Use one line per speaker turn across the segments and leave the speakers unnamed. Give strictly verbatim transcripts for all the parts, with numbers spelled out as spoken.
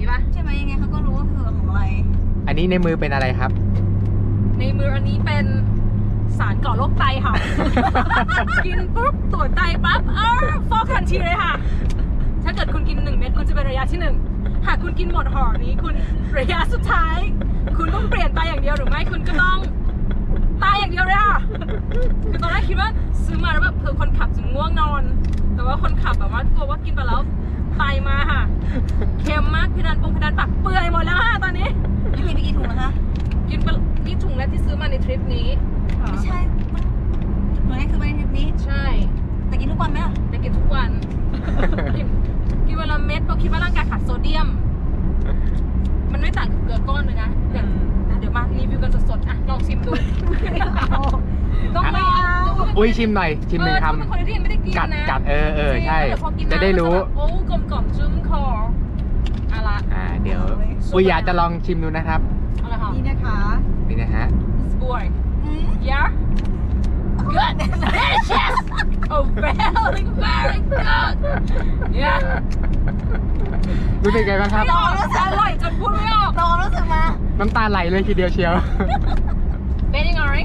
นี้ป่ะ
ใช่ไหมยังไงเขาก็รู้ว่าคือของอะไร
อันนี้ในมือเป็นอะไรครับ
ในมืออันนี้เป็นสารก่อโรคไตค่ะ กินปุ๊บตรวจไตปั๊บเออฟอกทันทีเลยค่ะ ถ้าเกิดคุณกินหนึ่งเม็ดคุณจะเป็นระยะที่หนึ่งหากคุณกินหมดห่อนี้คุณระยะสุดท้าย คุณต้องเปลี่ยนไตอย่างเดียวหรือไม่คุณก็ต้องตายอย่างเดียวเลยค่ะคือตอนแรกคิดว่าซื้อมาแล้วแบบเผื่อคนขับจะง่วงนอน แต่ว่าคนขับแบบว่ากลัวว่ากินไปแล้วไตมาค่ะเค็มมากเพดานปงเพดานปากเปื่อยหมดแล้วค่ะตอนนี้
นี่กินไปกี่ถุงแล้วคะ
กินไปนี่ถุงแรกที่ซื้อมาในทริปนี้
ไม่ใช่ตัวนี้คือมาในทริปนี้
ใช่
แต่กินทุกวันไหมล่ะ
แต่กินทุกวันกินกินวันละเม็ดเพราะคิดว่าร่างกายขาดโซเดียมมันไม่ต่างกับเกลือก้อนเลยนะเดี๋ยวเดี๋ยวมารีวิวกันสดๆอ่ะลองชิมดูต้องลอง
อุ้ยชิมหน่อยชิมหนึ่งค
ำคนที่ยังไม่ได้กินนะ
กัดกัดเออเออใช่จะได้รู้
โอ้กลมกล่อมชุ่มคออะไร
อ่าเดี๋ยวอุ้ยอยากจะลองชิมดูนะครับ
อะไรคะ
นี่นะคะ
นี่นะฮะ
Boy yeah good delicious oh very very good yeah
รู้สึกไงบ้างครับ
ไม่ออกอร่อยจนพูดไม่ออก
ลองรู้สึกมา
น้ำตาไหลเลยทีเดียวเชียว
เป็นยังไง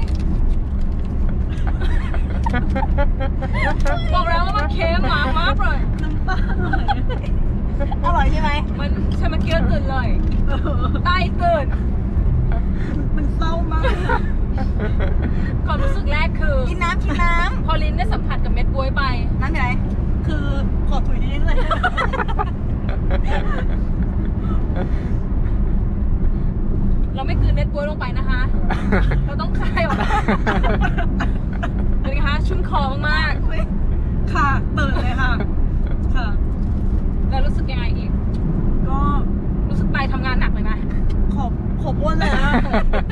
บอกแล้วว่ามันเค็มมากมากเลย
น้ำตาอร่อยใช่ไหม
มันฉันเมื่อกี้ตื่นเลยใต้ตื่น
มันเศร้ามาก
ความรู้สึกแรกคือ
กินน้ำกินน้
ำพอลิ้นได้สัมผัสกับเม็ดบ๊วยไป
น้ำไหนคือขอถุยนิดเลย
เราไม่กลืนเม็ดบ๊วยลงไปนะคะเราต้องคายออกมาเป็นไงคะชุ่มคอมาก
ๆค่ะตื่นเลยค่ะค่ะ
แล้วรู้สึกยังไงอีก
ก็
รู้สึกไตทำงานหนักเลยไหม
ขอบขอบอ้วนเลยนะ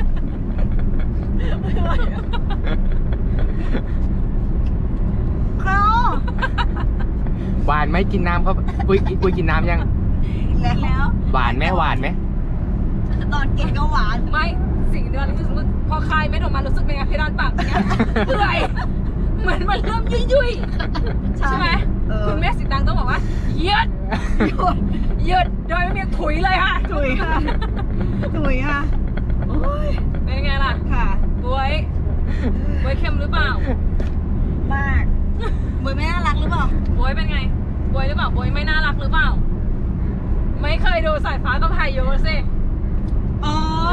คราว
หวานไหมกินน้ำเขาปุ้ยปุ้ยกินน้ำยัง
แล้ว
หวานไหมหวานไหม
ตอนกินก็หวาน
ไม่สิ่งเดียวที่รู้สึกพอคายเม็ดออกมารู้สึกเป็นไงเพดานปากเนี้ยเปื่อยเหมือนมันเริ่มยุ่ยๆใช่ไหมคุณแม่สิตังต้องบอกว่าเยืดเยืดโดยไม่มีถุยเลยค่ะ
ถุยค่ะถุยค่ะโอ้ย
เป็นไงล่ะ
ค่ะ
บ๊วยบ๊วยเค็มหรือเปล่าม
ากบ๊วยไม่น่ารักหรือเปล่า
บ๊วยเป็นไงบ๊วยหรือเปล่าบ๊วยไม่น่ารักหรือเปล่าไม่เคยดูสายฟ้ากับพายุสิ
อ๋อ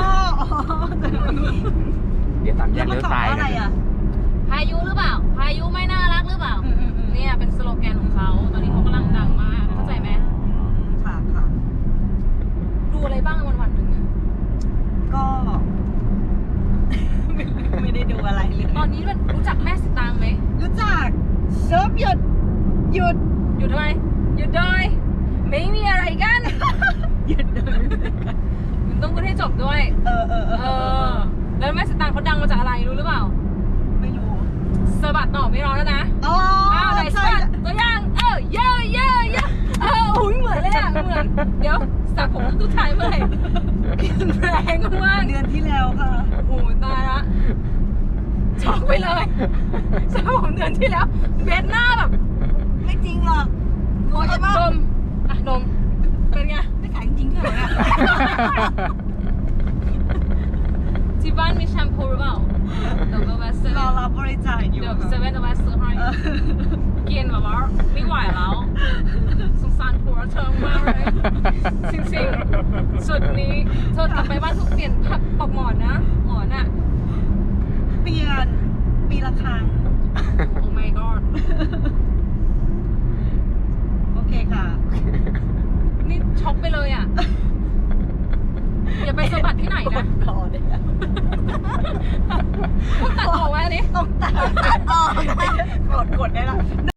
เดี๋ยวสามแยกเลี้ยวซ้าย
อะไรอ่ะ
พายุหรือเปล่าพายุไม่น่ารักหรือเปล่าเนี่ยเป็นสโลแกนของเขาตอนนี้เขากำลังดังมากเข้าใจไหม
ค่ะค่ะ
ดูอะไรบ้างวันวันหนึ่ง
ก็ไม่ได้ดูอะไรเลย
ตอนนี้รู้จักแม่สิตางไหม
รู้จักเซิร์ฟหยุดหยุด
หยุดทำไมหยุดเลยไม่มีอะไรกัน
หยุดเลย
มันต้องพูดให้จบด้วย
เออเออเออ
แล้วแม่สิตางเขาดังมาจากอะไรรู้หรือเปล่า
ไม่รู้
สะบัดต่อไม่ร้อนแล้วนะ
อ๋อ
อ้าวไหนสะบัดตัวอย่างเออเยอะเยอะเยอะเอออุ้ยเหมือนเลยอ่ะเหมือนเดี๋ยวสระผมทุกทายเมื่อไหร่แรงมาก
เดือนที่แล้วค่ะ
โอ้ตายละช็อกไปเลยสระผมเดือนที่แล้วเบสหน้าแบบ
ไม่จริงหรอกโง่ใช่ปะ
ดมอ่ะดมเป็นไง
ไม่ขายจริงๆเท่าไหร่อะ
ที่บ้านมีแชมพูหรือเปล่าเดี๋ยวก็แวะซื้อ
รอรับบริจาคอยู่
เดี๋ยวเซเว่นจะแวะซื้อให้กินแบบว่าไม่ไหวแล้วสงสารผัวเธอมากเลยจริงๆสุดนี้เธอกลับไปบ้านทุกเปลี่ยนปอกหมอนนะหมอนอ่ะ
เปลี่ยนปีละครั้ง
โอ้ my god
โอเคค่ะ
นี่ช็อกไปเลยอ่ะอย่าไปสะบัดที่ไหนนะ
พอเลย
พวกตัดออกไว้อันนี้
ต้องตัดออกกดกดได้ละ